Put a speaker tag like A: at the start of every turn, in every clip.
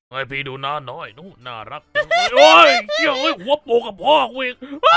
A: ไอพี่ดูหน้าน้อยนู่นน่ารักโอ้ยเกี่ยวหัวโปกับพ่อกูอีก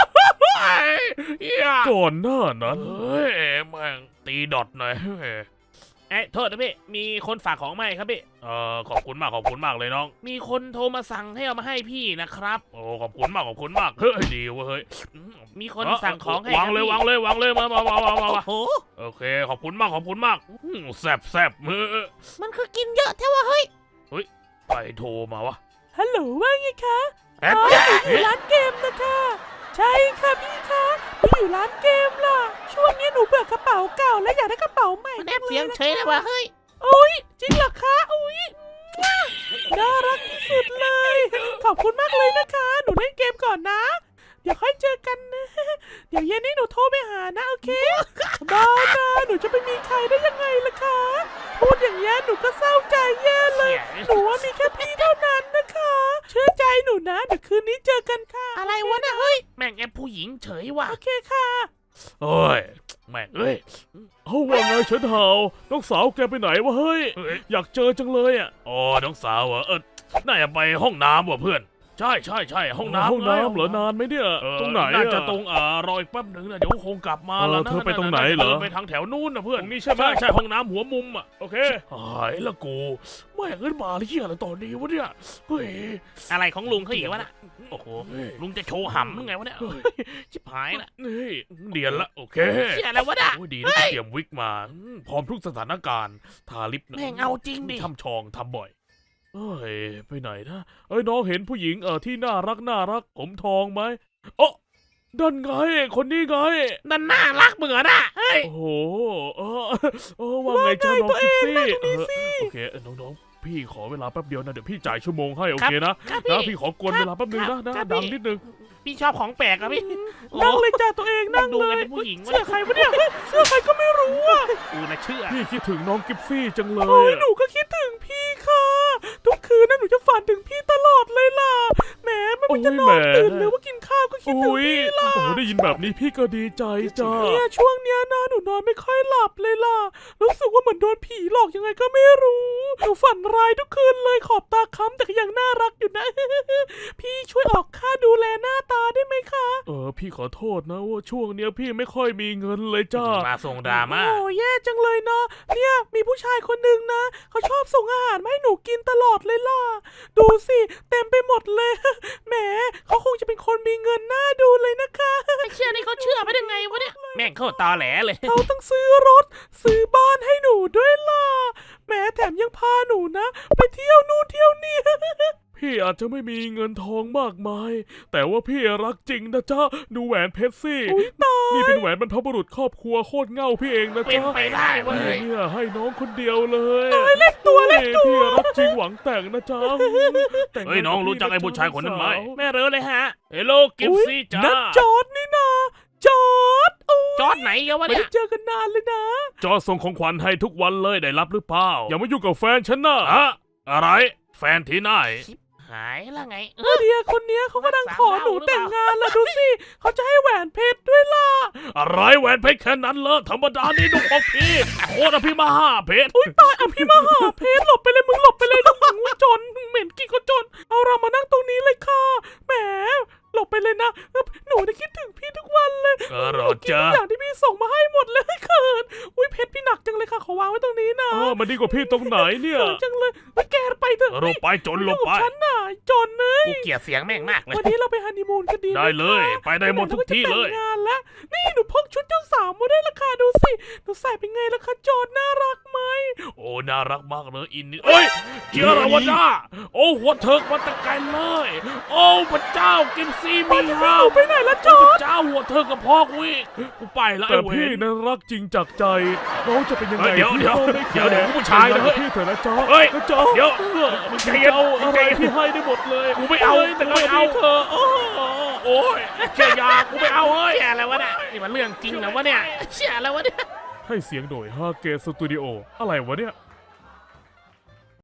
A: ก่อนหน้านั้นเฮ้ยแม่งตีดอทหน่อย
B: โทษนะพี่มีคนฝากของมาให้ครับพี่
A: ขอบคุณมากเลยน้อง
B: มีคนโทรมาสั่งให้เอามาให้พี่นะครับ
A: โอ้ขอบคุณมากเฮ้ยดีเว้ย
B: มีคนสั่งของให้
A: วางเลยวางเลยมา
B: โอ้
A: โอเคขอบคุณมากแซบมือ
C: มันคือกินเยอะแท้วะเฮ้ย
A: ใครโทรมาวะ
D: ฮัลโหลว่าไงคะอยู่ร้านเกมนะคะใช่ค่ะพี่คะพี่อยู่ร้านเกมล่ะช่วงนี้หนูเบื่อกระเป๋าเก่าและอยากได้กระเป๋าใหม่
C: มันแอบเสียงเฉยเลยวะเฮ้ย
D: โอ้ยจริงเหรอคะโอ้ยน่ารักที่สุดเลยขอบคุณมากเลยนะคะหนูเล่นเกมก่อนนะเดี๋ยวค่อยเจอกันนะเดี๋ยวเย็นนี้หนูโทรไปหานะโอเคบ้านะหนูจะไปมีใครได้ยังไงล่ะคะพูดอย่างนี้หนูก็เศร้าใจแย่เลยหนูว่ามีแค่พี่เท่านั้นนะคะเชื่อใจหนูนะเดี๋ยวคืนนี้เจอกันค่ะ
C: อะไรวะนะเฮ้ย
B: แม่งแอปผู้หญิงเฉยว่ะ
D: โอเคค่ะ
A: โอ้ยแม่งเอาว่าไงเฉินเห่าน้องสาวแกไปไหนวะเฮ้ยอยากเจอจังเลยอ่ะอ๋อน้องสาวเหรอน่าจะไปห้องน้ำว่ะเพื่อนใช่ห้องน้ำเหรอนานไหมเนี่ยตรงไหนน่าจะตรงรออีกแป๊บหนึ่งนะเดี๋ยวคงกลับมาแล้วนะเธอไปตรงไหนเหรอไปทางแถวนู้นนะเพื่อนนี่ใช่ไหมใช่ห้องน้ำหัวมุมอ่ะโอเคหายละกูแม่งเงินมาเหี้ยอะไรตอนนี้วะเนี่ยเฮ้ย
B: อะไรของลุงเขาอีกวะน่ะโอ้โหลุงจะโชว์หำยังไงวะเนี่ยชิบหายละ
A: นี่เดียนละโอเค
B: เชี่ยอะไรวะน่ะ
A: ดีนะเตรียมวิกมาพร้อมทุกสถานการณ์ทาลิป
B: แม่งเอาจริงดิ
A: ทำชองทำบ่อยเอ้ยไปไหนนะน้องเห็นผู้หญิงที่น่ารักผมทองไหมอ๋อนั่นไงคนนี้ไง
B: นั่นน่ารักเหมือนอ่ะเฮ้ย
A: โอ้โหว่าไงจ้าน้องกิฟซี่โอเคน้องพี่ขอเวลาแป๊บเดียวนะเดี๋ยวพี่จ่ายชั่วโมงให้โอเคนะพี่ขอกวนเวลาแป๊บนึงนะดังนิดนึง
B: พี่ชอบของแปลกอะพี่
D: นั่งเลยจ้าตัวเองนั่งเลย
B: ผู้หญิง
D: เสื้อใครวะเนี่ยเสื้อใครก็ไม่รู้อ่ะ
B: กูนะเชื่อ
A: พี่คิดถึงน้องกิฟซี่จังเลย
D: โอ้ยหนูก็คิดถึงพี่ค่ะทุกคืนนะหนูจะฝันถึงพี่ตลอดเลยล่ะแหมไม่ว่าจะนอนตื่นหรือว่ากินข้าวก็คิดถึงพี่ล่ะ
A: โอ้ได้ยินแบบนี้พี่ก็ดีใจจ้า
D: เนี่ยช่วงเนี้ยนะหนูนอนไม่ค่อยหลับเลยล่ะรู้สึกว่าเหมือนโดนผีหลอกยังไงก็ไม่รู้หนูฝันร้ายทุกคืนเลยขอบตาค้ำแต่ก็ยังน่ารักอยู่นะพี่ช่วยออกค่าดูแลหน้าตาได้ไหมคะ
A: พี่ขอโทษนะว่าช่วงเนี้ยพี่ไม่ค่อยมีเงินเลยจ้า
B: มาส่งดราม่า
D: โอ้แย่จังเลยเนาะเนี่ยมีผู้ชายคนนึงนะเขาชอบส่งอาหารมาให้หนูกินตลอดเลยล่ะดูสิเต็มไปหมดเลยแหมเขาคงจะเป็นคนมีเงินน่าดูเลยนะคะ
C: ไอ้เชื่อนี่เขาเชื่อไปได้ไงวะเนี่ย
B: แม่งเข้าตาแหลเลย
D: เขาต้องซื้อรถซื้อบ้านให้หนูด้วยล่ะแหมแถมยังพาหนูนะไปเที่ยวนู่นเที่ยวนี่
A: พี่อาจจะไม่มีเงินทองมากมายแต่ว่าพี่รักจริงนะจ๊ะดูแหวนเพชรสินี่เป็นแหวนบรรพบุรุษครอบครัวโคตรเง่าพี่เองนะจ๊ะ
B: เป็นไปได้เว้ย
A: เนี่ยให้น้องคนเดียวเลย
D: เล็กตัว
A: พี่รักจริงหวังแต่งนะจ๊ะ
B: เฮ้ยน้องรู้จักไอ้ผู้ชายคนนั้นไหมแม่เรู้เลยฮะเฮลโลกิฟซี่จ้า
D: นั่นจอร์ดนี่นะจอร์
B: ดไหนกันวะเนี่ย
D: ไม่เจอกันนานเลยนะ
A: จอร์ดส่งของขวัญให้ทุกวันเลยได้รับหรือเปล่าอย่ามายุ่งกับแฟนฉันนะอะไรแฟนที่ไหน
B: หายแล้วไง
D: เดียคนนี้เขากำลังขอหนูแต่งงานล่ะดูสิเขาจะให้แหวนเพชรด้วยล่ะ
A: อะไรแหวนเพชรแค่นั้นเลยธรรมดานี่ดูของพี่โคตรพี่มหาเพชร
D: อุ้ยตายพี่มหาเพชรหลบไปเลยมึงหลบไปเลยลูกมึงจนเหม็นกี่ก็จนเอาเรามานั่งตรงนี้เลยค่ะแหมหลบไปเลยนะหนูได้คิดถึงพี่ทุกวันเลย
A: รอจ้า
D: อย่างที่พี่ส่งมาให้หมดเลยเขินอุ้ยเพชรพี่หนักจังเลยค่ะขอวางไว้ตรงนี้นะ
A: มันดีกว่าพี่ตรงไหนเนี่ย
D: จังเลยแกไปเถอะ
A: ลงไปจนลงไป
D: ฉันน่ะจนเลย
B: กูเกลียดเสียงแม่งมากเลย
D: วันนี้เราไปฮันนีมูนกันดี
A: ได้เลยไปได้หมดทุกที่เลย
D: งานแล้วนี่หนูพกชุดเจ้าสาวมาได้ราคาดูสิหนูใส่เป็นไงล่ะคะจอนน่ารักไหม
A: โอ้น่ารักมากเลยอินนี่เอ้ยเจ้าละวะจ้าโอ้หัวเถิกมาตะไกลเลยโอ้พระเจ้ากินซีมี
D: ฮาวไปไหนละจอน
A: เจ้าหัวเถิกกับพ่อกูไปแล้วแต่พี่นั้นรักจริงจากใจน้องจะเป็นยังไงเดี๋ยวผู้ชายนะพี่เถอะนะจ๊อเดี๋ยวมึงใจเย็นอะไรพี่ให้ได้หมดเลย
B: กูไม่เอา
A: แต่ไม่เอาเธอโอ้ย
B: เชี่ยยากูไม่เอาเฮ้ยอะไรวะเนี่ยนี่มันเรื่องจริงนะวะเนี่ยเชี่ยอะไรวะเนี่ย
A: ให้เสียงโดยฮาเกสตูดิโออะไรวะเนี่ย